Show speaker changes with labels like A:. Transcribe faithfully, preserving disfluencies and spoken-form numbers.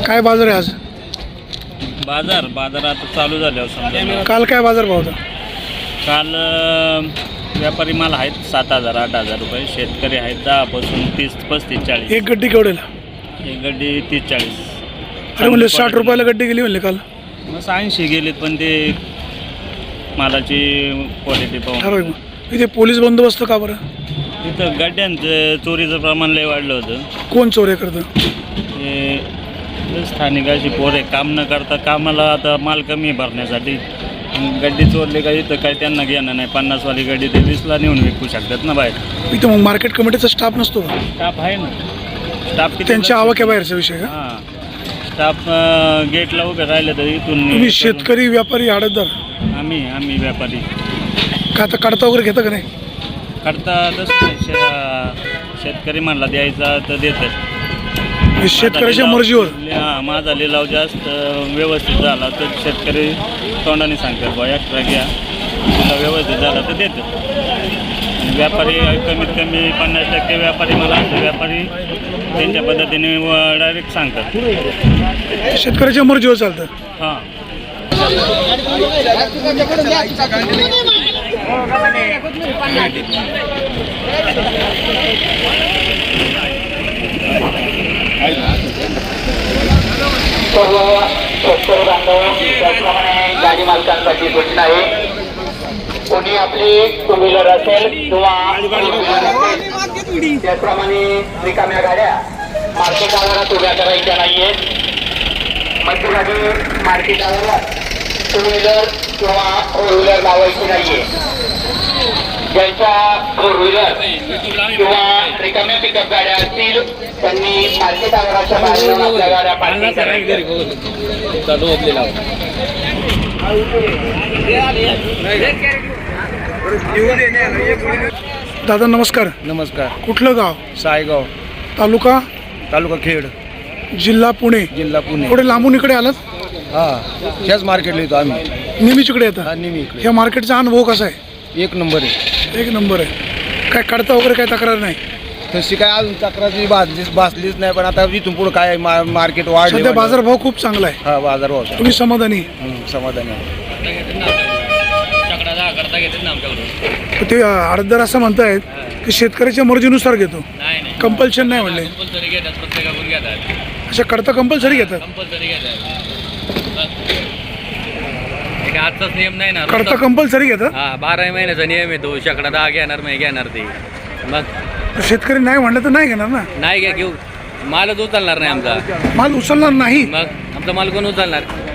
A: काय बाजार आहे आज?
B: बाजार बाजार आता चालू झाल्यावर समजा.
A: काल काय बाजार भाव होता?
B: काल अं, व्यापारी माल आहेत सात हजार आठ हजार रुपये, शेतकरी आहेत दहापासून तीस पस्तीस चाळीस.
A: एक गड्डी केवढेला?
B: एक गड्डी तीस चाळीस.
A: अरे म्हणले साठ रुपयाला गड्डी गेली म्हणले काल.
B: मग ऐंशी गेलेत, पण ते मालाची क्वालिटी पाहून.
A: ठरव मग इथे पोलीस बंदोबस्त का बरं?
B: तिथं गड्ड्यांचं चोरीचं प्रमाण लय वाढलं होतं.
A: कोण चोऱ्या करतं?
B: हे स्थानिक अशी पोरे काम न करता कामाला आता माल कमी भरण्यासाठी गड्डी चोरली का इथं काय त्यांना घेणं नाही. पन्नासवाली गड्डी ते वीसला नेऊन विकू शकतात ना बाहेर.
A: इथं मग मार्केट कमिटीचा स्टाफ नसतो का?
B: स्टाफ आहे ना. स्टाफ किती?
A: त्यांच्या आवाक्याबाहेरचा विषय का?
B: हां, स्टाफ गेटला उभे राहिले तर इथून.
A: तुम्ही शेतकरी व्यापारी आडतदार?
B: आम्ही आम्ही व्यापारी.
A: का आता काढता वगैरे घेता का नाही?
B: करता तसं नाही. शे- शेतकरी म्हणला द्यायचा तर देतात.
A: शेतकऱ्याच्या मर्जीवर.
B: हां, माझा लिलाव जास्त व्यवस्थित झाला तर शेतकरी तोंडाने सांगतात बा एक्स्ट्रा घ्या, लिलाव व्यवस्थित झाला तर देतात. आणि व्यापारी कमीत कमी पन्नास टक्के व्यापारी मला असं व्यापारी त्यांच्या पद्धतीने डायरेक्ट सांगतात.
A: शेतकऱ्याच्या मर्जीवर चालतं.
B: हां.
C: सर्व शेतकरी बांधव त्याचप्रमाणे गाडी मालकांसाठी सूचना आहे. कोणी आपली टू व्हीलर असेल किंवा त्याचप्रमाणे रिकाम्या गाड्या मार्केट आवारात उभ्या करायच्या नाहीयेत. मध्यभागी मार्केट आवारात टू व्हीलर किंवा फोर व्हीलर लावायची नाहीये. ज्यांच्या फोर व्हीलर किंवा रिकाम्या पिकअप गाड्या असतील त्यांनी मार्केट आवाराच्या बाहेर येऊन आपल्या गाड्या पार्किंग करायच्या.
A: दादा नमस्कार.
D: नमस्कार.
A: कुठलं गाव?
D: सायगाव
A: तालुका?
D: तालुका खेड,
A: जिल्हा पुणे.
D: जिल्हा पुणे.
A: थोडे लांबून इकडे आलात?
D: हा, ह्याच मार्केटला येतो आम्ही.
A: नेहमीच इकडे येतात?
D: हा, नेहमी इकडे.
A: ह्या मार्केटचा अनुभव कसा आहे?
D: एक नंबर आहे.
A: एक नंबर आहे. काय काढता वगैरे काय तक्रार नाही?
D: तशी काय अजून तक्रारी भाजलीच भासलीच नाही, पण आता इथून पुढे काय मा- मार्केट वाढले.
A: सध्या बाजारभाव खूप चांगला आहे.
D: हा, बाजार भाव
A: तुम्ही समाधानी?
D: समाधानी आहे.
A: ते अर्धदार असं म्हणतायत की शेतकऱ्याच्या मर्जीनुसार घेतो, कंपल्शन नाही म्हणले. अशा करता कंपल्सरी घेतात?
E: आजचाच नियम नाही ना.
A: करता कंपल्सरी घेतात?
E: हा, बारा महिन्याचा नियम येतो. शेकडा दहा घेणार नाही घेणार ते. मग
A: शेतकरी नाही म्हणलं तर नाही घेणार ना.
E: नाही घ्या घेऊ, मालच उचलणार नाही आमचा.
A: माल उचलणार नाही?
E: मग आमचा माल कोण उचलणार?